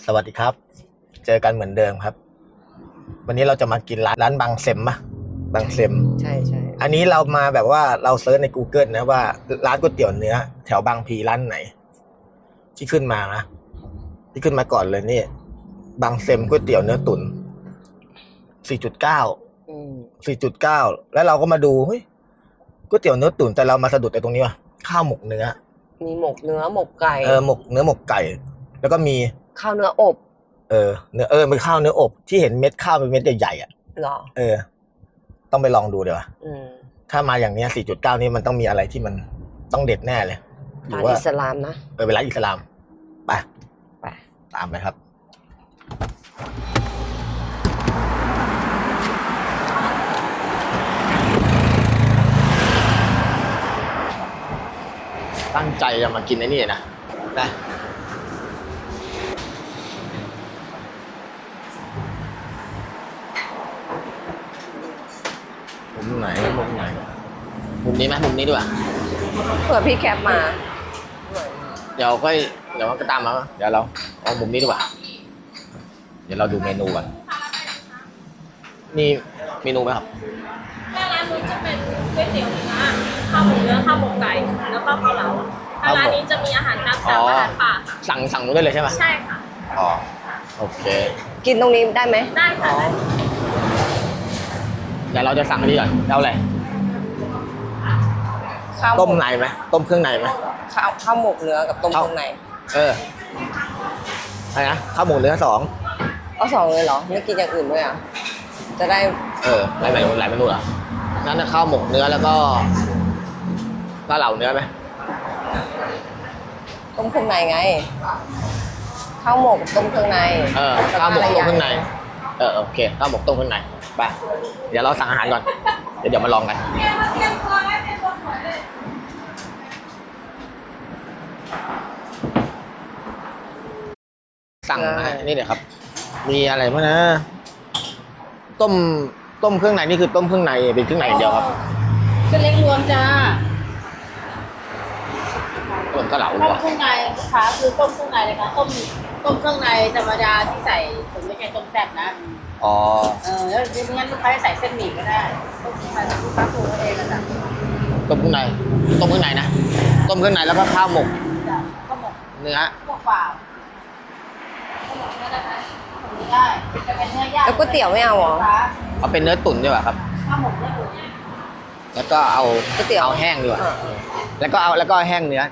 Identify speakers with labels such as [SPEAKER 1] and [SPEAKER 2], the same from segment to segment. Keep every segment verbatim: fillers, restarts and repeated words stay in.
[SPEAKER 1] สวัสดีครับเจอกันเหมือนเดิมครับวันนี้เราจะมากินร้านร้านบางเซมปะบางเซม
[SPEAKER 2] ใช่ใช่
[SPEAKER 1] อันนี้เรามาแบบว่าเราเซิร์ชใน Google นะว่าร้านก๋วยเตี๋ยวเนื้อแถวบางพลีร้านไหนที่ขึ้นมานะที่ขึ้นมาก่อนเลยนี่บางเซมก๋วยเตี๋ยวเนื้อตุ๋น สี่จุดเก้า
[SPEAKER 2] อืม
[SPEAKER 1] สี่จุดเก้า แล้วเราก็มาดูเฮ้ยก๋วยเตี๋ยวเนื้อตุ๋นแต่เรามาสะดุดในตรงนี้ว่ะข้าวหมกเนื้อ
[SPEAKER 2] มีหมกเนื้อหมกไก่
[SPEAKER 1] เออหมกเนื้อหมกไก่แล้วก็มี
[SPEAKER 2] ข้าวเนื้ออบ
[SPEAKER 1] เออเนื้อเออเป็นข้าวเนื้ออบที่เห็นเม็ดข้าวเป็นเม็ดใหญ่ๆอ่ะ
[SPEAKER 2] หรอ
[SPEAKER 1] เออต้องไปลองดูเดี๋ยว
[SPEAKER 2] อืม
[SPEAKER 1] ถ้ามาอย่างเนี้ย สี่จุดเก้า นี่มันต้องมีอะไรที่มันต้องเด็ดแน่เลย
[SPEAKER 2] ร้านอิสลามนะ
[SPEAKER 1] เออเป็นร้านอิสลามไป
[SPEAKER 2] ไป
[SPEAKER 1] ตามไปครับตั้งใจจะมากินไอ้นี่นะได้มุมไหนมุมไหนมุมนี้ไหมมุมนี้ด้วย
[SPEAKER 2] เผื่อพี่แคปมา
[SPEAKER 1] เดี๋ยวก็เดี๋ยวก็ตามมาเดี๋ยวเราเอามุมนี้ดีกว่าเดี๋ยวเราดูเมนูก่อนนี่เมนูไหมครับ
[SPEAKER 3] ถ้าร้านนู้นจะเป็นก๋วยเตี๋ยวเนื้อข้าวหมูเนื้อข้าวหมกไก่แล้วก็เกาเหลาถ้าร้านนี้จะมีอาหารตามสั่งอาหารป่า
[SPEAKER 1] สั่งสั่งนู้นได้เลยใช่ไหม
[SPEAKER 3] ใช่ค่ะ
[SPEAKER 1] อ๋อโอเค
[SPEAKER 2] กินตรงนี้ได้ไหม
[SPEAKER 3] ได้ค่ะ
[SPEAKER 1] เดี๋ยวเราจะสั่งอันนี้ก่อนเอาอะไรต้มในไหมต้มเครื่องในไหม
[SPEAKER 2] ข้าวข้าวหมกเนื้อกับต้มเครื่องใน
[SPEAKER 1] เอออะไรนะข้าวหมกเนื้อสอง
[SPEAKER 2] เอาสองเลยเหรอไม่กินอย่างอื่นด้วยอ่ะจะได้
[SPEAKER 1] เออหลายเมนูหลายเมนูเหรอนั่นนะข้าวหมกเนื้อแล้วก็ก็เหล่าเนื้อไหม
[SPEAKER 2] ต้มเครื่องในไงข้าวหมกต้มเครื่องใน
[SPEAKER 1] เออข้าวหมกต้มเครื่องในเออโอเคข้าวหมกต้มเครื่องในไปเดี๋ยวเราสั่งอาหารก่อนเดี๋ยวเดี๋ยวมาลองกันสั่งนี่เดี๋ยวครับมีอะไรบ้างนะต้มต้มเครื่องในนี่คือต้มเครื่องในเป็นเครื่องในเดียวครับ
[SPEAKER 3] เส้นเล็กรวมจ้า
[SPEAKER 1] ต้มกะเหลา
[SPEAKER 3] ต้มเครื่องในลูกค้าคือต้มเครื่องในเลยค่ะต้มต้มเครื่องในธรรมดาที่ใส่ผมไม่ใช่ต้มแซ่บนะ
[SPEAKER 1] อ๋อ
[SPEAKER 3] เออแล้วไม่งั้นลูกค้าจะใส่เส้นหมี่ก็ได้ต้มเครื่องในลูกค้าปรุงเองนะจ๊ะ
[SPEAKER 1] ต้มเครื่องในต้มเครื่องในนะต้มเครื่องในแล้วก็ข้าวหมก
[SPEAKER 3] จ้ะข้าวหมก
[SPEAKER 1] เนื้อ
[SPEAKER 3] พวกเปล่าข้าวหมกเนื้อได้ไหมข้าวหมกได้จะเป็นเนื้อย่าง
[SPEAKER 2] แล้วก๋วยเตี๋ยวไม่เอาหรอ
[SPEAKER 1] เอาเป็นเนื้อตุ๋นดีกว่าครับ
[SPEAKER 3] ข้าวหมกเนื้อตุ๋น
[SPEAKER 1] แล้วก็เอา
[SPEAKER 2] ก๋วยเตี๋ยว
[SPEAKER 1] เอาแห้งดีกว่าแล้วก็เอาแล้วก็แห้งเนื้อ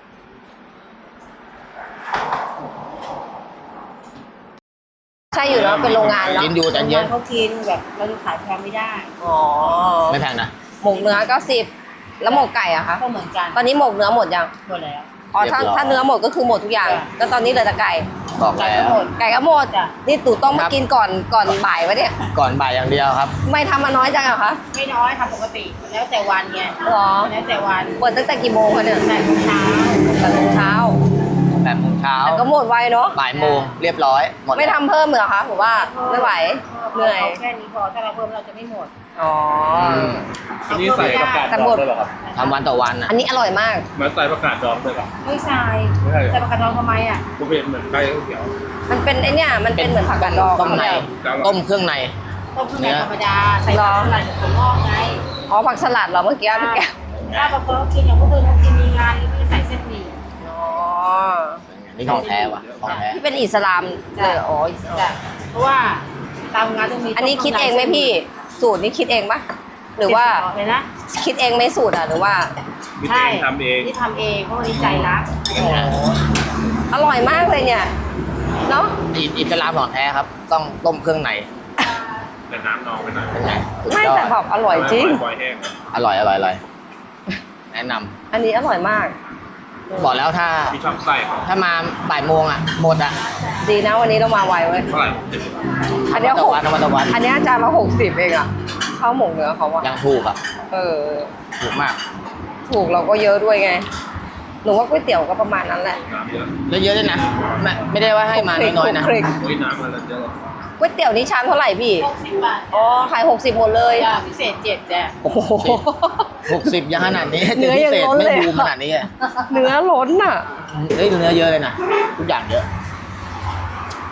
[SPEAKER 2] ใช่อยู่แล้วเป็นโรงงานแล้ว
[SPEAKER 1] กินอยู่แต่เย็น
[SPEAKER 3] เขากินแบบเราจะขายแพงไม่ได้
[SPEAKER 2] อ๋อ
[SPEAKER 1] ไม่แพงนะ
[SPEAKER 2] หมกเนื้อเก้าสิบแล้วหมกไก่อะคะ
[SPEAKER 3] ก็เหมือนกัน
[SPEAKER 2] ตอนนี้หมกเนื้อหมดยัง
[SPEAKER 3] หมดแล้ว
[SPEAKER 2] อ๋อถ้าถ้าเนื้อหมดก็คือหมดทุกอย่างแล้วตอนนี้เหลือแต่ไก่
[SPEAKER 1] บอกแล้ว
[SPEAKER 2] ไก่ก็หมดนี่ตู่ต้องมากินก่อนก่อนบ่ายวะเนี่ย
[SPEAKER 1] ก่อนบ่ายอย่างเดียวครับ
[SPEAKER 2] ไม่ทำมาน้อยจังเหรอคะ
[SPEAKER 3] ไม่น้อยทำปกติแล้วแต่วันไง
[SPEAKER 2] หรอ
[SPEAKER 3] แล้วแต่วัน
[SPEAKER 2] เปิดตั้งแต่กี่โมงคะเนี่ย
[SPEAKER 3] แปดโมงเช้า
[SPEAKER 2] แปดโมงเช้า
[SPEAKER 1] แปดโมงเช้า
[SPEAKER 2] แต่ก็หมดไวเนาะ
[SPEAKER 1] บ่ายโมงเรียบร้อยหมด
[SPEAKER 2] ไม่ทำเพิ่มเหรอคะผมว่าไม่ไหวเหนื่อย
[SPEAKER 3] แค่นี้พอถ้าเราเพิ่มเราจะไม่หมด
[SPEAKER 2] อ๋อ
[SPEAKER 4] อันนี้ใส่ประกาศดองด้วยเหรอครับ
[SPEAKER 1] ทำวันต่อวัน
[SPEAKER 2] อันนี้อร่อยมาก
[SPEAKER 4] มันใส่ประกาศดองด้วยเหรอ
[SPEAKER 3] ไม่ใส่ใส่ประกาศดองทำไมอ่ะ
[SPEAKER 4] กูเป็นเหมือนไก่เขียว
[SPEAKER 2] มันเป็นไอเนี่ยมันเป็นเหมือนผักกาดดอง
[SPEAKER 1] ต้มในต้มเครื่องใน
[SPEAKER 3] ต้มเครื่องในธรรมดาใส่ผักสลัดถั่วงอกไง
[SPEAKER 2] อ๋อผักสลัดเหรอเมื่อกี้เมื่อกี้
[SPEAKER 3] ถ้าบางคนกินอย่างพวกเธอเขากินมีงานก็ใส่เส้นหมี่
[SPEAKER 2] อ๋อ
[SPEAKER 1] นี่ของแท้ว่ะของแท้
[SPEAKER 2] ที่เป็นอิสลามเลยอ๋อ
[SPEAKER 3] เพราะว่าตามงานต้องมี
[SPEAKER 2] อันนี้คิดเองไหมพี่สูตรนี้คิดเองปะหรือว่า
[SPEAKER 3] เลยนะ
[SPEAKER 2] คิดเองไม่สูตรอ่ะหรือว่า
[SPEAKER 3] ใช่ทำเองที่ทำเองเพราะวันนี้ใจรัก
[SPEAKER 2] อร่อยมากเลยเนี่ยเนาะ
[SPEAKER 1] อิสลามของแท้ครับต้องต้มเครื่องใน
[SPEAKER 4] แต่น้ำนองไปหน่อย
[SPEAKER 1] เป็นไง
[SPEAKER 2] ไม่แต่แบบอร่อยจริง
[SPEAKER 1] อร่อยอร่อยอร่อยแนะน
[SPEAKER 2] ำอันนี้อร่อยมาก
[SPEAKER 1] บอกแล้วถ้าถ้ามาบ่ายโมงอ่ะหมดอ่ะ
[SPEAKER 2] ดีนะวันนี้เรามาไวเว้ยอันนี้หกอันนี้จานละหกสิบเองอ่ะข้าวหมกเนื้อเขาว่า
[SPEAKER 1] ยังถูกอ่ะ
[SPEAKER 2] เออ
[SPEAKER 1] ถูกมาก
[SPEAKER 2] ถูกเราก็เยอะด้วยไงหนูว่าก๋วยเตี๋ยวก็ประมาณนั้นแหละ
[SPEAKER 1] เยอะๆด้วยนะไม่ไม่ได้ว่าให้มาน้อยๆนะ
[SPEAKER 2] ก๋วยเตี๋ยวนี่ชามเท่าไหร่พี่
[SPEAKER 3] หกสิบบาท
[SPEAKER 2] อ๋อขายหกสิบหมดเลย
[SPEAKER 3] พิเศษเจ็ดจ้ะ
[SPEAKER 1] โอ้โหหกสิบยังขนาดนี้เนื้อยังล้นเลยไม่บูมขนาดนี้
[SPEAKER 2] เนื้อล้นอ่ะ
[SPEAKER 1] เฮ้ยเนื้อเยอะเลยนะทุกอย่างเยอะ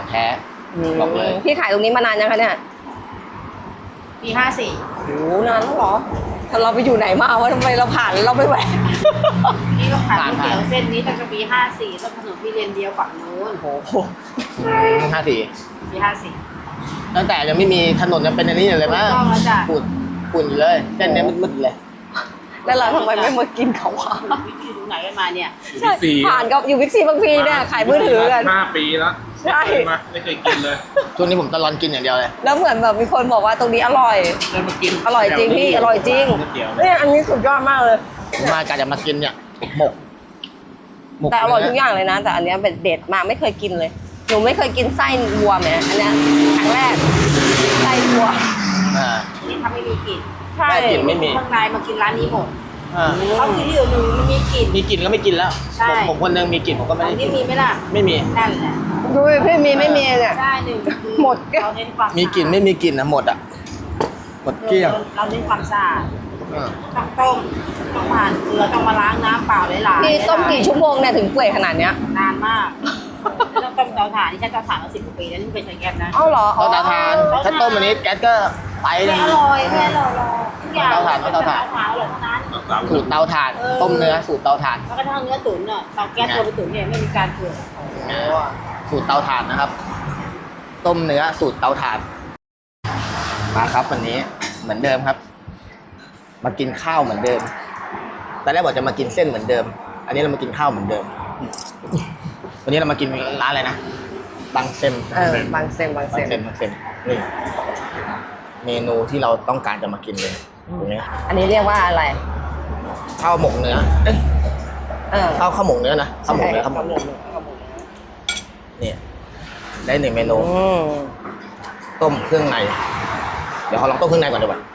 [SPEAKER 1] แท้บอกเลย
[SPEAKER 2] พี่ขายตรงนี้มานานยังคะเนี่ย
[SPEAKER 5] ปีห้าสี่
[SPEAKER 2] โอ้นานแล้วเหรอถ้าเราไปอยู่ไหนมาวะทำไมเราผ่านเราไม่แหวก
[SPEAKER 5] นี่ก็ขาย
[SPEAKER 1] ผ่าน
[SPEAKER 5] ก๋วยเตี๋ยวเส้นนี้ตั้งแต่ปีห้าสี่ต้นถนนพี่เรียนเดียวฝั่งนู้น
[SPEAKER 2] โอ้โห
[SPEAKER 1] ห้าสี่
[SPEAKER 5] ปีห้าสี่
[SPEAKER 1] ตั้งแต่ยังไม่มีถนนยังเป็นอันนี้อยู่เลยมั้ง
[SPEAKER 5] ถูกต้องแล้วจ้ะ
[SPEAKER 1] ฝุ่นฝุ่นอยู่เลยเส้นเนี้ยมืดๆเลย
[SPEAKER 2] แล้วเราทำไมไม่มากินเขาวะ
[SPEAKER 5] วิธีดูไหนกันมาเนี่ย
[SPEAKER 2] ใช่ผ่านกับอยู่วิกซีบางพีเนี่ยขายมือถือกัน
[SPEAKER 4] ห้าปีแล้ว
[SPEAKER 2] ใช่
[SPEAKER 4] ไม่เคยมาไม่เคยกินเลย
[SPEAKER 1] ช่วงนี้ผมตะลอนกินอย่างเดียวเลย
[SPEAKER 2] แล้วเหมือนแบบมีคนบอกว่าตรงนี้อร่อย
[SPEAKER 4] เคยมากิน
[SPEAKER 2] อร่อยจริงพี่อร่อยจริง
[SPEAKER 4] ก๋วยเตี๋ยว
[SPEAKER 2] เนี่ยอันนี้สุดยอดมากเลย
[SPEAKER 1] ผมมากะจะมากินเนี่ยหมกหมก
[SPEAKER 2] แต่อร่อย
[SPEAKER 1] เนื้
[SPEAKER 2] ทุกอย่างเลยนะ แต่อันเนี้ยเป็นเด็ดมากไม่เคยกินเลย หนูไม่เคยกินไส้วัวแหมอันเนี้ยครั้งแรกไส้วัว
[SPEAKER 1] อ่า
[SPEAKER 5] นี่ถ้าไม่มีกลิ่น
[SPEAKER 2] ใช่
[SPEAKER 1] ไม่กินไม่มี
[SPEAKER 5] ข้างในมากินร้านนี้หมด
[SPEAKER 1] อ่า
[SPEAKER 5] เขากินที่อื่นหนึ่งมันมีกลิ่น
[SPEAKER 1] มีกลิ่นก็ไม่กินแล้ว
[SPEAKER 5] ใช่
[SPEAKER 1] ผมผมคนหนึงมีกลิ่นผมก็ไม่
[SPEAKER 5] อั
[SPEAKER 1] ได้
[SPEAKER 5] น
[SPEAKER 1] กิ
[SPEAKER 5] นี้
[SPEAKER 1] น
[SPEAKER 5] มีไหมล่ะ
[SPEAKER 1] ไม่มี
[SPEAKER 5] นั่นแหละ
[SPEAKER 2] ดูพี่มีไม่มีเนี่ย
[SPEAKER 5] ใช่หนึ่ง
[SPEAKER 2] หมดแก้ว
[SPEAKER 5] เราเน้นความ
[SPEAKER 1] มีกลิ่นไม่มีกลิ่นนะหมดอ่ะหมดเกลี้ยง
[SPEAKER 5] เราเน้นความสะอาด
[SPEAKER 1] อ่า
[SPEAKER 5] ต้องต้มต้องผ่านเกลือต้องมาล้างน้ำเปล่าหลายๆ
[SPEAKER 2] พี่ต้มกี่ชั่วโมงเนี่ยถึงเปื่อยขนาดเนี้ย
[SPEAKER 5] นานมากไม่ต้องต้มเตาถ่านที่ใช้เตาถ่านมาสิบกว่าปีแล้วนี่ไม่เคยใช้แก๊สนะ
[SPEAKER 2] เอ้าเหรอ
[SPEAKER 1] เตาตาทานถ้าต้มอันนี้แก๊สก็ไป
[SPEAKER 5] ไม่อร่อยไม่อร่อยหรอกทุกอย่าง
[SPEAKER 1] เตาถ่านเตาถ่าน
[SPEAKER 5] เตาถ่านอร่อยเท่านั้น
[SPEAKER 4] สาม
[SPEAKER 1] สูตรเตาถ่าน ต้มเนื้อสูตรเตาถ่าน
[SPEAKER 5] แล้วก็ทั้งเนื้อตุ๋นอ่ะเตาแก๊สตัวไปตุ๋นเนี่ยไม่มีการเกลือ
[SPEAKER 1] สูตรเตาถ่านนะครับ ต้มเนื้อสูตรเตาถ่านมาครับวันนี้เหมือนเดิมครับ มากินข้าวเหมือนเดิมตอนแรกบอกจะมากินเส้นเหมือนเดิม อันนี้เรามากินข้าวเหมือนเดิม วันนี้เรามากินร้านอะไรนะบางเซม
[SPEAKER 2] เออบางเซมบาง
[SPEAKER 1] บา
[SPEAKER 2] เซ
[SPEAKER 1] ง
[SPEAKER 2] ม
[SPEAKER 1] เซมบางเซมนี่เมนูที่เราต้องการจะมากินเลยตรงนี้
[SPEAKER 2] อันนี้เรียกว่าอะไร
[SPEAKER 1] ข้าวหมกเนื้อเอ้ย
[SPEAKER 2] เออ
[SPEAKER 1] ข้าวข้าวหมกเนื้อนะข้าวหมกเนื้อข้าวหมก
[SPEAKER 2] ข้าวหม
[SPEAKER 1] เนื้อก
[SPEAKER 2] เนื้อข้าวหมกเนื้อ
[SPEAKER 1] นี่ได้หนึ่งเมนู
[SPEAKER 2] อืม
[SPEAKER 1] ต้มเครื่องใน เดี๋ยวขอลองต้มเครื่องในก่อนดีกว่า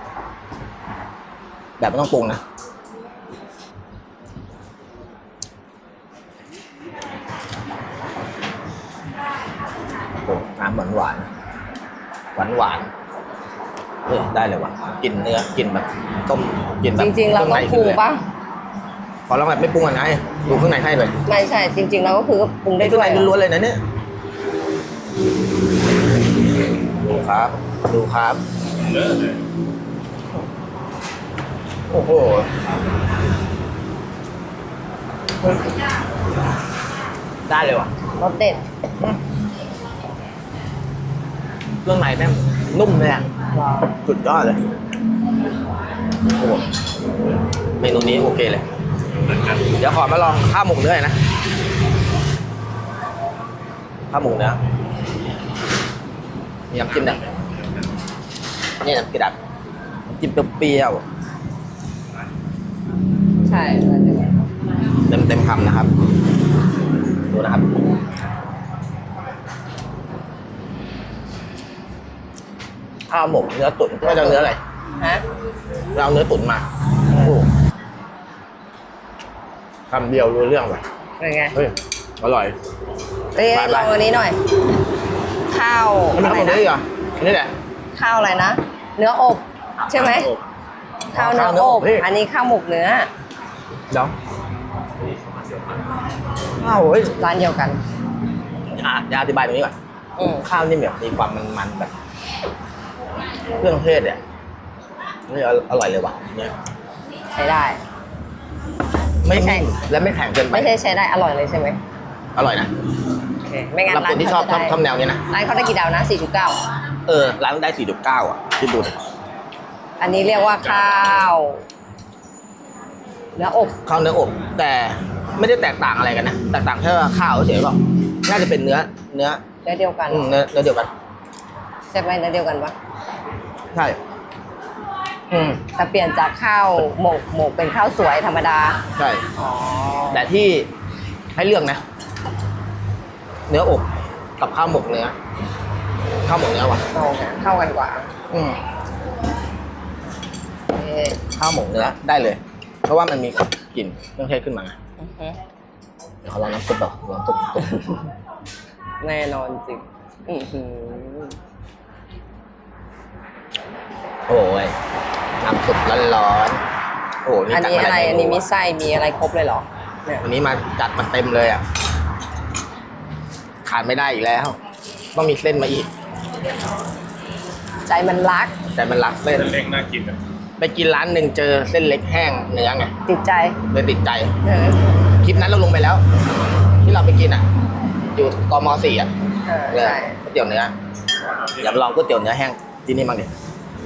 [SPEAKER 1] แบบไม่ต้องปรุงนะโอ้น้ำหวานหวานหวานหวานๆเฮ้ยได้เลยว่ะกินเนื้อกินแบบต้มกินแบบ
[SPEAKER 2] จริงๆเราต้องปรุงปะ
[SPEAKER 1] ขอลองแบบไม่ปรุงก่อนนะดูเครื่องในให้เลย
[SPEAKER 2] ไม่ใช่ จริงๆเราก็คือปรุงได้
[SPEAKER 1] เครื่
[SPEAKER 2] ด้
[SPEAKER 1] อง
[SPEAKER 2] วย
[SPEAKER 1] ในล้วนๆเลยนะเนี่ยดูครับ ดูครับ
[SPEAKER 4] เยอะเลย
[SPEAKER 1] โอ้โหได้เลยว่ะ
[SPEAKER 2] รสเด็ด
[SPEAKER 1] เครื่องในแม่งนุ่มเลยอ่ะสุดยอดเลยโอ้โหเมนูนี้โอเคเลย
[SPEAKER 4] เหมือนกัน
[SPEAKER 1] เดี๋ยวขอมาลองข้าวหมกเนื้อหน่อยนะข้าวหมกเนื้อมีน้ำจิ้มนะนี่น้ำกระดับน้ำจิ้มเปรี้ยว
[SPEAKER 2] ใช่
[SPEAKER 1] เต็มเต็มๆคำนะครับ ดูนะครับ ข้าวหมกเนื้อตุ๋นไม่เอาเนื้ออะไร
[SPEAKER 2] ฮะ
[SPEAKER 1] เราเอาเนื้อตุ๋นมาโอ้โหคำเดียวรู้เรื่องว่ะ
[SPEAKER 2] เป็นไง
[SPEAKER 1] เฮ้ยอร่อย
[SPEAKER 2] เอ้ย
[SPEAKER 1] ไปๆ
[SPEAKER 2] ลองอันนี้หน่อย ข้าว
[SPEAKER 1] ไม่มี
[SPEAKER 2] อะไร
[SPEAKER 1] ข้าวหมกเนื้อ
[SPEAKER 2] นะ
[SPEAKER 1] อีกเหรออันนี่แหละ
[SPEAKER 2] ข้าวอะไรนะ เนื้ออบ ใช่ไหม ข้าวเนื้อ
[SPEAKER 1] ข้าวเนื้อ
[SPEAKER 2] อ
[SPEAKER 1] อ
[SPEAKER 2] บบ
[SPEAKER 1] พี่
[SPEAKER 2] อันนี้ข้าวหมกเนื้อ
[SPEAKER 1] เดี๋ยวข้าวเฮ้ย
[SPEAKER 2] ร้านเดียวกัน
[SPEAKER 1] อ่ะเดี๋ยวอธิบายตรงนี้ก่อน
[SPEAKER 2] อืม
[SPEAKER 1] ข้าวนี่แบบมีความมันๆแบบ เครื่องเทศเนี่ยนี่อร่อยเลยว่ะเนี่ย
[SPEAKER 2] ใช้ได้
[SPEAKER 1] ไม่
[SPEAKER 2] ไม่ใช่
[SPEAKER 1] และไม่แข็งเกินไป
[SPEAKER 2] ไม่ใช่ใช้ได้อร่อยเลยใช่ไหม
[SPEAKER 1] อร่อยนะ
[SPEAKER 2] โอเค ไม่งั้น
[SPEAKER 1] สำหรับ
[SPEAKER 2] ร้า
[SPEAKER 1] คน นที่ชอบชอบชอบแนวนี้นะ
[SPEAKER 2] ร้านเขาได้กี่ดาวนะ สี่จุดเก้า
[SPEAKER 1] เออร้านได้สี่จุดเก้าอ่ะที่ดูดิ
[SPEAKER 2] อันนี้เรียกว่าข้าวเนื้ออบ
[SPEAKER 1] ข้าวเนื้ออบ แต่ไม่ได้แตกต่างอะไรกันนะแตกต่างแค่ว่าข้าวเฉยๆเปล่าน่าจะเป็นเนื้อ เนื้อ
[SPEAKER 2] เนื้อเดียวกัน
[SPEAKER 1] อืมเนื้อเนื้อเดียวกัน
[SPEAKER 2] ใช่ไหมเนื้อเดียวกันปะ
[SPEAKER 1] ใช่อืม
[SPEAKER 2] แต่เปลี่ยนจากข้าวหมกหมกเป็นข้าวสวยธรรมดา
[SPEAKER 1] ใช่
[SPEAKER 2] อ๋อ
[SPEAKER 1] แต่ที่ให้เลือกนะ เนื้ออบกับข้าวหมกเนื้อข้าวหมกเนื้อว่ะ
[SPEAKER 2] โอเคเข้ากันกว่า
[SPEAKER 1] อืม
[SPEAKER 2] เอ่อ
[SPEAKER 1] ข้าวหมกเนื้อได้เลย เพราะว่ามันมีกลิ่นเครื่องเทศขึ้นมา
[SPEAKER 2] อือฮึ
[SPEAKER 1] เดี๋ยวขอลองน้ำซุปก่อนลองซุปซุป
[SPEAKER 2] แน่นอนจริงอือหือ
[SPEAKER 1] โอ้ยน้ำซุปร้อนๆโอ้นี่
[SPEAKER 2] อัน
[SPEAKER 1] จัด
[SPEAKER 2] นี้
[SPEAKER 1] มา
[SPEAKER 2] อะไร
[SPEAKER 1] หลาย
[SPEAKER 2] อัน
[SPEAKER 1] เม
[SPEAKER 2] นี้
[SPEAKER 1] นู
[SPEAKER 2] มีไส้มีอะไรครบเลยเหรอเนี่ย
[SPEAKER 1] วันนี้มาจัดมาเต็มเลยอ่ะขาดไม่ได้อีกแล้วต้องมีเส้นมาอีก
[SPEAKER 2] ใจมันรัก
[SPEAKER 1] แต่มันรักเส้น
[SPEAKER 4] เส้นเล็กน่ากินอ่ะ
[SPEAKER 1] ไปกินร้านหนึ่งเจอเส้นเล็กแห้งเนื้อไง
[SPEAKER 2] ติดใจ
[SPEAKER 1] เลยติดใจ
[SPEAKER 2] เออ
[SPEAKER 1] คลิปนั้นเราลงไปแล้ว ที่เราไปกินอ่ะ อยู่กมสี่อ่ะ
[SPEAKER 2] เออ
[SPEAKER 1] เลย
[SPEAKER 2] ใช่
[SPEAKER 1] ก๋วยเตี๋ยวเนื้ออยากลองก๋วยเตี๋ยวเนื้อแห้งที่นี่บ้างดิ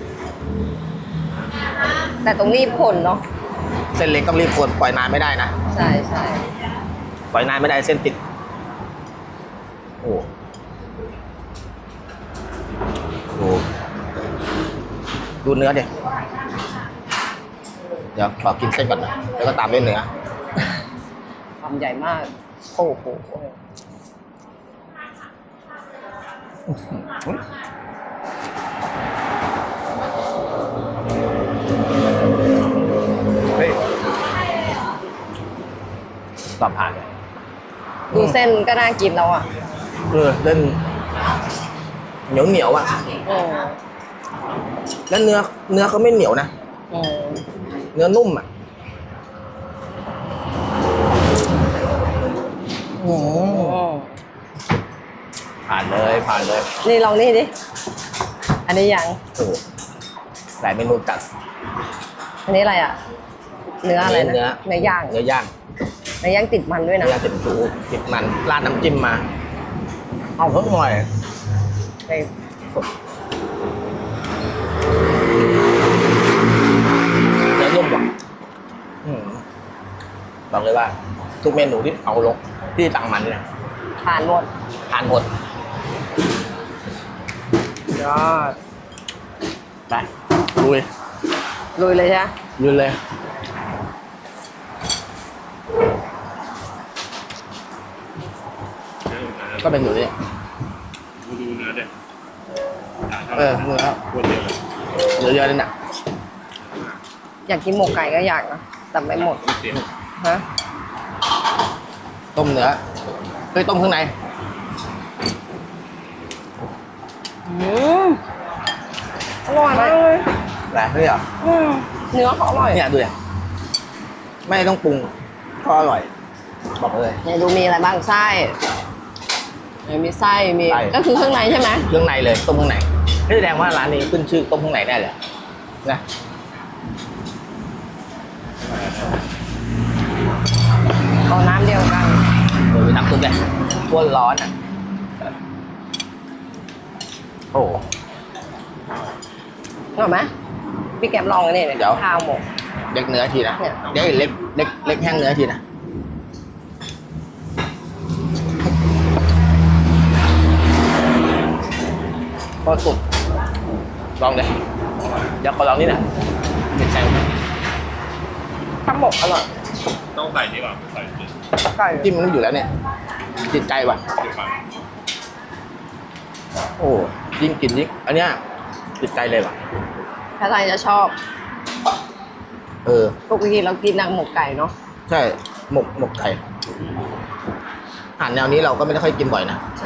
[SPEAKER 2] แต่ตรงรีบคนเนาะ
[SPEAKER 1] เส้นเล็กต้องรีบคนปล่อยนานไม่ได้นะ
[SPEAKER 2] ใช่ใช่
[SPEAKER 1] ปล่อยนานไม่ได้เส้นติดโอ้โหดูเนื้อดิเดี๋ยวขอกินเส้นก่อนนะแล้วก็ตามด้วยเนื้อ
[SPEAKER 2] คำใหญ่มาก โอ้โห
[SPEAKER 1] เฮ้ยตอบผ่านเลย
[SPEAKER 2] ดูเส้นก็น่ากินแล้วอ่ะ
[SPEAKER 1] เออเส้นเหนียวเหนียวอ่ะ
[SPEAKER 2] อืม
[SPEAKER 1] แล้วเนื้อเนื้อเขาไม่เหนียวนะ
[SPEAKER 2] อืม
[SPEAKER 1] เนื้อนุ่มอ่ะอืม
[SPEAKER 2] อืม
[SPEAKER 1] ผ่านเลยผ่านเลย
[SPEAKER 2] นี่ลองนี่ดิ อันนี้ยัง
[SPEAKER 1] โอ้โหหลายเมนูจัด
[SPEAKER 2] อันนี้อะไรอ่ะ เนื้ออะไรนะ
[SPEAKER 1] เนื้อ
[SPEAKER 2] เนื้อย่าง
[SPEAKER 1] เนื้อย่าง
[SPEAKER 2] เนื้อย่างติดมันด้วย
[SPEAKER 1] เนื้
[SPEAKER 2] นะ
[SPEAKER 1] อย่างติดสูติดมันราดน้ำจิ้มมา เอาเพิ่มหน่อย
[SPEAKER 2] ไป
[SPEAKER 1] เนื้อนุ่มว่ะอืมบอกเลยว่า ทุกเมนูที่เอาลงที่ตังมันเนี่ย
[SPEAKER 2] ทานหมด
[SPEAKER 1] ทานหมด
[SPEAKER 2] ยอด
[SPEAKER 1] ไปลุย
[SPEAKER 2] ลุยเลยใช่ไหม
[SPEAKER 1] ลุยเลยก็เป็นอยู่นี่
[SPEAKER 4] ดูดูเนื้อเด็ด
[SPEAKER 1] เออเนื้อ
[SPEAKER 4] คนเดียวเลย
[SPEAKER 1] เนื้อเยอะเลยน่ะ
[SPEAKER 2] อยากกินหมกไก่ก็อยากนะ แต่ไม่หมด
[SPEAKER 4] ไม่เสีย
[SPEAKER 2] ฮะ
[SPEAKER 1] ต้มเนื้อเฮ้ยต้มข้างใน
[SPEAKER 2] อืมอร่อยมากเลย
[SPEAKER 1] แหละเฮ้ยเหรอ
[SPEAKER 2] อืมเนื้อเขาอร่อย
[SPEAKER 1] เนี่ยดูเนี่ยไม่ต้องปรุงก็อร่อย บอกเลย
[SPEAKER 2] เนี่ยดูมีอะไรบ้างไส้เนี่ยมีไส้มี
[SPEAKER 1] ไส้
[SPEAKER 2] ก็คือข้างในใช่ไหม
[SPEAKER 1] เครื่องในเลยต้มข้างในนี่แสดงว่าร้านนี้ขึ้นชื่อต้มข้างในแน่เลยนะ
[SPEAKER 2] เอาน้ำเดียวกัน
[SPEAKER 1] โอ้ยน้ำซุปเลยข้นร้อนอ่ะโอ้
[SPEAKER 2] เหรอไหมพี่แก๊ปลองอันนี้เลย
[SPEAKER 1] เดี๋ยว
[SPEAKER 2] ข้าวหมก
[SPEAKER 1] เล็กเนื้อทีนะ
[SPEAKER 2] เนี่ย
[SPEAKER 1] เดี๋ยวเล็กเล็กเล็กแห้งเนื้อทีนะก็สุดลองเลยเดี๋ยวขอลองนี่นะเป็นใจ
[SPEAKER 2] ข้าวหมกอร่อย
[SPEAKER 4] ต้องใส่นี่ก่อนใส่จิ้ม
[SPEAKER 2] ไก่
[SPEAKER 1] จิ้มมันอยู่แล้วเนี่ยติดใจว่ะ
[SPEAKER 4] เดี๋ยวก่อน
[SPEAKER 1] โอ้ยิ่งกินยิ่งอันเนี้ยติดใจเลยว่ะ
[SPEAKER 2] ถ้าใครจะชอบ
[SPEAKER 1] เออ
[SPEAKER 2] ปกติเรากินนางหมกไก่เนาะ
[SPEAKER 1] ใช่หมกหมกไก่อาหารแนวนี้เราก็ไม่ได้ค่อยกินบ่อยนะ
[SPEAKER 2] ใช่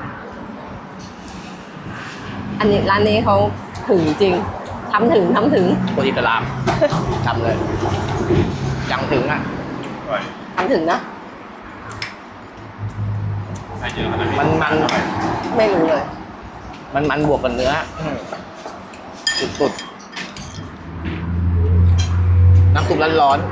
[SPEAKER 2] อันนี้ร้านนี้เขาถึงจริงทำถึงทำถึง
[SPEAKER 1] คนอิสลาม ทำเลยยังถึงอ่ะ
[SPEAKER 4] อร่อย
[SPEAKER 2] ทำถึงนะ
[SPEAKER 4] ใส่เยอะขนาดนี้
[SPEAKER 1] มันมัน
[SPEAKER 2] ไม่รู้เลย
[SPEAKER 1] มันมันบวกกับเนื้อสุดสุดๆน้ำซุปร้อน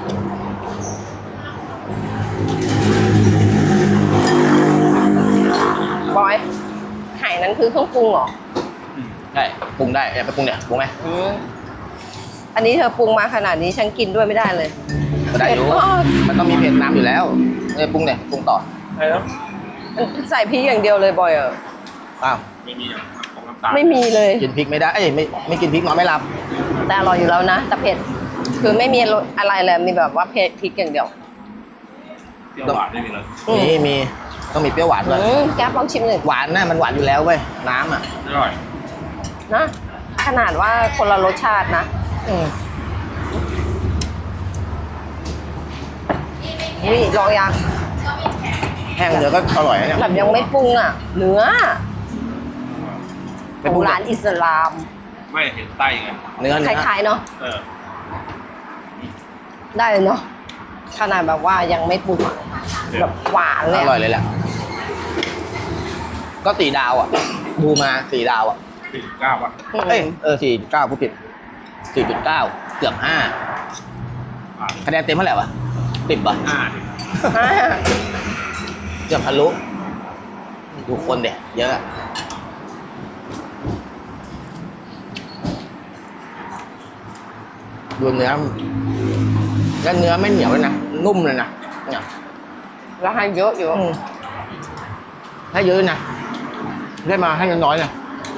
[SPEAKER 2] บอยไห่นั้นคือเครื่องปรุงเหรอ
[SPEAKER 1] ๆได้ปรุงได้อยากไปปรุงเนี่ยปรุงไหม
[SPEAKER 2] อืมอันนี้เธอปรุงมาขนาดนี้ฉันกินด้วยไม่ได้เลย
[SPEAKER 1] ก็ได้อยู่
[SPEAKER 2] เผ็ดมาก
[SPEAKER 1] มันต้องมีเผ็ดน้ำอยู่แล้วเนี่ยปรุงเนี่ยปรุงต่อ
[SPEAKER 4] ใช่แล้ว
[SPEAKER 2] มันใส่พริกอย่างเดียวเลยบอยเออ
[SPEAKER 1] อ้าว
[SPEAKER 4] ไม่มีอย่างของน้ำตาล
[SPEAKER 2] ไม่มีเลย
[SPEAKER 1] กินพริกไม่ได้เอ้ยไม่ไม่กินพริกนอนไม่หลับ
[SPEAKER 2] แต่อร่อยอยู่แล้วนะแต่เผ็ดคือไม่มีรสอะไรเลยมีแบบว่าเผ็ดพริกอย่างเดียว
[SPEAKER 4] เปรี้ยวหวานไม่มีเลย
[SPEAKER 2] อืม
[SPEAKER 1] มีมีต้องมีเปรี้ยวหวานด้วย
[SPEAKER 2] อืมแก๊ปลองชิมหนึ่ง
[SPEAKER 1] หวานนะมันหวานอยู่แล้วเว้ยน้ำอ่ะ
[SPEAKER 4] อร่อย
[SPEAKER 2] นะขนาดว่าคนละรสชาตินะ
[SPEAKER 1] อืม
[SPEAKER 2] นี่ลองยัง
[SPEAKER 1] แห้งเนื้อก็อร่อยนะเนี่ย
[SPEAKER 2] แบบยังไม่ปรุงอ่ะ เนื้อ
[SPEAKER 1] ไม่
[SPEAKER 2] ข
[SPEAKER 1] ป
[SPEAKER 2] อ
[SPEAKER 1] รุ
[SPEAKER 2] ง
[SPEAKER 1] ง
[SPEAKER 2] ร้านอิสลาม
[SPEAKER 4] ไม่เห็นไส้ไง
[SPEAKER 1] เนื้อ
[SPEAKER 2] ค
[SPEAKER 1] เนื้อ
[SPEAKER 2] ล้ายๆเนาะ
[SPEAKER 4] เออ
[SPEAKER 2] ได้เลยเนาะขนาดแบบว่ายังไม่ปรุงอะแบบหวานเล
[SPEAKER 1] อย
[SPEAKER 2] อะ
[SPEAKER 1] ร่อยเลยแหละก็สี่ดาวอ่ะ ดูมาสี่ดาวอ่ะ
[SPEAKER 4] สี่สิบเก้าป่ะ
[SPEAKER 1] เอ้ยเออสี่จุดเก้าผู้ผิดสี่จุดเก้าเกือบห้า
[SPEAKER 4] อ่า
[SPEAKER 1] คะแนนเต็มเท่าไหร่วะสิบป่ะ
[SPEAKER 4] ห้าดิ
[SPEAKER 2] อ่า
[SPEAKER 1] เกือบทะลุดูคนเด็กเยอะ ดูเนื้อแล้วเนื้อไม่เหนียวเลยนะ นุ่มเลยนะเนี่ย
[SPEAKER 2] แล้วให้เยอะอยู่
[SPEAKER 1] อืมให้เยอะนะได้มาให้น้อยๆนะ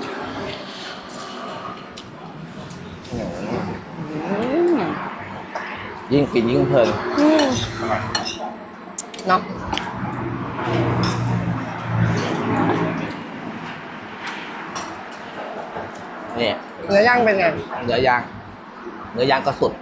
[SPEAKER 1] อืม
[SPEAKER 2] อืม
[SPEAKER 1] ยิ่งกินยิ่งเพลิน
[SPEAKER 2] อืม
[SPEAKER 4] อร่อย
[SPEAKER 2] เนาะ
[SPEAKER 1] นี่
[SPEAKER 2] เนื้อย่างเป็นไง
[SPEAKER 1] เนื้อย่างเนื้อย่างก็สุด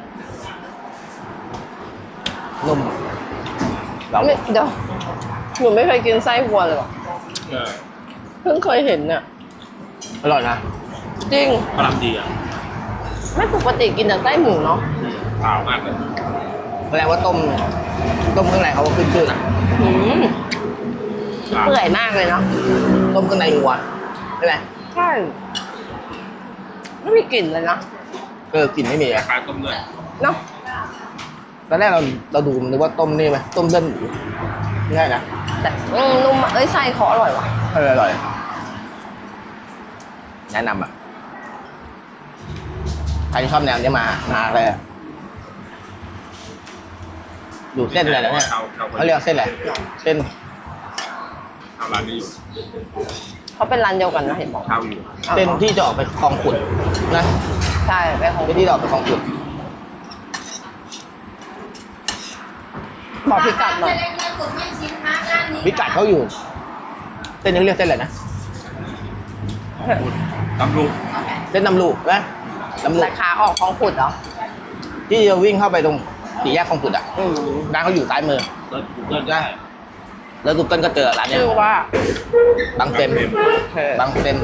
[SPEAKER 1] นุ่มเรา
[SPEAKER 2] ไม่เดี๋ยวหนูไม่เคยกินไส้วัวเลยว่ะ
[SPEAKER 4] เออ
[SPEAKER 2] เพิ่งเคยเห็นเนี่ย
[SPEAKER 1] อร่อยนะ
[SPEAKER 2] จริง
[SPEAKER 4] กำลังดีอ่ะ
[SPEAKER 2] ไม่ปกติกินแต่ไส้หมูเนาะ
[SPEAKER 4] อืมขาวมากเลย
[SPEAKER 1] แสดงว่าต้ม ต้มข้างในเขาก็ขึ้นชื่อนะ
[SPEAKER 2] อืม
[SPEAKER 4] ขาว
[SPEAKER 2] เปื่อยมากเลยเนาะ
[SPEAKER 1] ต้มข้างในวัวใช่ไหม
[SPEAKER 2] ใช่ไม่มีกลิ่นเลยนะ
[SPEAKER 1] เออกลิ่นไม่มี
[SPEAKER 4] ค
[SPEAKER 1] อะ
[SPEAKER 4] ล้ายๆต้มเลือด
[SPEAKER 2] เนาะ
[SPEAKER 1] ตอนแรกเราเราดูนึกว่าต้มนี่ไหมต้มเลือดหมูง่ายนะ
[SPEAKER 2] แต่อืมนุ่มเอ้ยไส้เขาอร่อยว่ะ
[SPEAKER 1] เอออร่อยแนะนำอ่ะใครที่ชอบแนวนี้มามาเลยอะดูเส้นอะไรแล้วเนี่ย
[SPEAKER 4] ชาวชาว
[SPEAKER 1] เขาเรียกเส้นอะไรเส้น
[SPEAKER 4] ชาวร้านนี้อยู่
[SPEAKER 2] เขาเป็นร้านเดียวกันนะเห็นบอก
[SPEAKER 4] ชาวอยู่
[SPEAKER 1] เส้นที่จะออกไปคลองขุดนะ
[SPEAKER 2] ใช่ไปของ
[SPEAKER 1] เส้นที่จะออกไปคลองขุด
[SPEAKER 2] บอกพิกัดหน่อย
[SPEAKER 1] พิกัดเขาอยู่เส้นนี้เรียกเส้นอะไรนะ
[SPEAKER 4] ตำลุก
[SPEAKER 1] เส้นนำลูกนะนำลู
[SPEAKER 2] แต่
[SPEAKER 1] ก
[SPEAKER 2] ขาออกของขุดเหรอ
[SPEAKER 1] ที่จะวิ่งเข้าไปตรงสี่แยกคลองขุดอ่ะ
[SPEAKER 2] อืม
[SPEAKER 1] ร้านเขาอยู่ซ้ายมือ
[SPEAKER 4] เลิศกูเกิลได้
[SPEAKER 1] แล้วกูเกิลก็เจอร้านเนี้ย
[SPEAKER 2] ชื่อว่า
[SPEAKER 1] บางเต็มบางเต็ม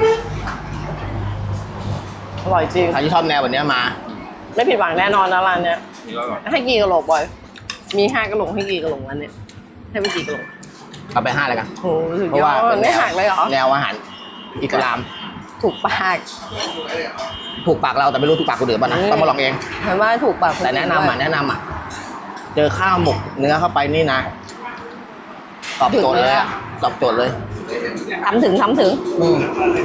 [SPEAKER 2] อร่อยจริง
[SPEAKER 1] ใครที่ชอบแนวแบบเนี้ยมา
[SPEAKER 2] ไม่ผิดหวังแน่นอนนะร้านเนี้ย
[SPEAKER 4] นี่ก็อร่อย
[SPEAKER 2] ให้กี่กะโหลกบอย มีห้ากะโหลกให้กี่กะโหลกร้านเนี้ยให้ไปกี่กะโหลก
[SPEAKER 1] เอาไปห้าเลยกัน
[SPEAKER 2] โอ้โหสุด
[SPEAKER 1] เพราะ
[SPEAKER 2] ยอ
[SPEAKER 1] ว่า
[SPEAKER 2] ด
[SPEAKER 1] เป็นแน
[SPEAKER 2] ไม่
[SPEAKER 1] ว
[SPEAKER 2] หักเลยเหรอ
[SPEAKER 1] แนวอาหารอิสลาม
[SPEAKER 2] ถูกปาก
[SPEAKER 1] ถูกปากเราแต่ไม่รู้ถูกปากคนอื่นป่ะนะ
[SPEAKER 2] อืม
[SPEAKER 1] ต้องมาลองเอง
[SPEAKER 2] เห็นว่าถูกปากค
[SPEAKER 1] แต่แนะนำอ่ะแนะนำอ่ะเจอข้าวหมกเนื้อเข้าไปนี่นะตอบโจทย์เลยอะตอบโจทย์เลย
[SPEAKER 2] ทำถึงทำถึง
[SPEAKER 1] อืม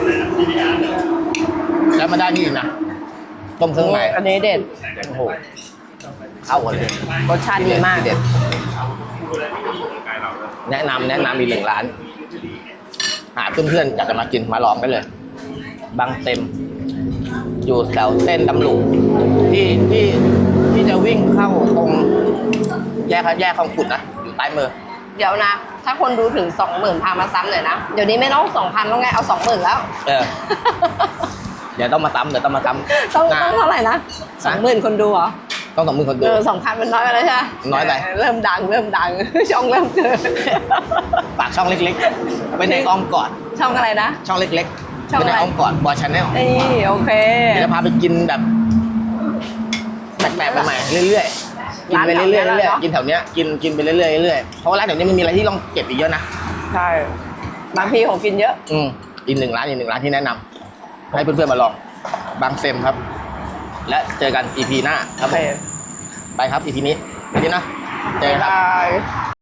[SPEAKER 1] แล้วมาได้นี่อีกนะต้มเครื่องใน
[SPEAKER 2] อันนี้เด็ด
[SPEAKER 1] โอ้โหเข้ากันเลย
[SPEAKER 2] รสชาติดีมาก
[SPEAKER 1] เด็ด
[SPEAKER 4] ใกล้เราเลย
[SPEAKER 1] แนะนำแนะนำมีหนึ่งร้าน หาเพื่อนๆอยากจะมากินมาลองได้เลย บางเต็ม อยู่แถวเส้นตำลุกที่ที่ที่จะวิ่งเข้าตรงแยกแยกคลองขุดนะอยู่ใต้มือ
[SPEAKER 2] เดี๋ยวนะ ถ้าคนดูถึงสองหมื่นพามาซ้ำหน่อยนะ เดี๋ยวนี้ไม่ต้องสองพันแล้วไง เอาสองหมื่นแล้ว
[SPEAKER 1] เออ เดี๋ยวต้องมาซ้ำเดี๋ยวต้องมาซ้ำ
[SPEAKER 2] ต้อง
[SPEAKER 1] นะ
[SPEAKER 2] ต้องเท่าไหร่นะสองหมื่นคนดูเหรอ
[SPEAKER 1] ต้องสองมือคนดู
[SPEAKER 2] เออสองพันมันน้อยไปแล้วใช่ไหม
[SPEAKER 1] น้อยไป
[SPEAKER 2] เริ่มดังเริ่มดัง ช่องเริ่มเกิด
[SPEAKER 1] ฝากช่องเล็กๆไว้ในอ้อมกอด
[SPEAKER 2] ช่องอะไรนะ
[SPEAKER 1] ช่องเล็ก
[SPEAKER 2] ช่
[SPEAKER 1] ๆ
[SPEAKER 2] อง
[SPEAKER 1] ไว้
[SPEAKER 2] อะไร
[SPEAKER 1] ในอ้อมกอดบอยชาแนล
[SPEAKER 2] นี่โอเค
[SPEAKER 1] เดี๋ยวจะพาไปกินแบบแปลกๆใหม่ๆเรื่อยๆกินไปเรื่อยๆเรื่อยๆกินแถวเนี้ยกินกินไปเรื่อยๆเรื่อยๆเพราะว่าร้านแถวนี้มันมีอะไรที่ต้องเก็บอีกเยอะนะ
[SPEAKER 2] ใช่ บางทีของกินเยอะ
[SPEAKER 1] อืมอีกหนึ่งร้านอีกหนึ่งร้านที่แนะนำให้เพื่อนๆมาลองบางเซมครับ และเจอกัน อี พี หน้าครับผมไปครับ อี พี นี้ไปดีนะเจอกันครับ
[SPEAKER 2] บาย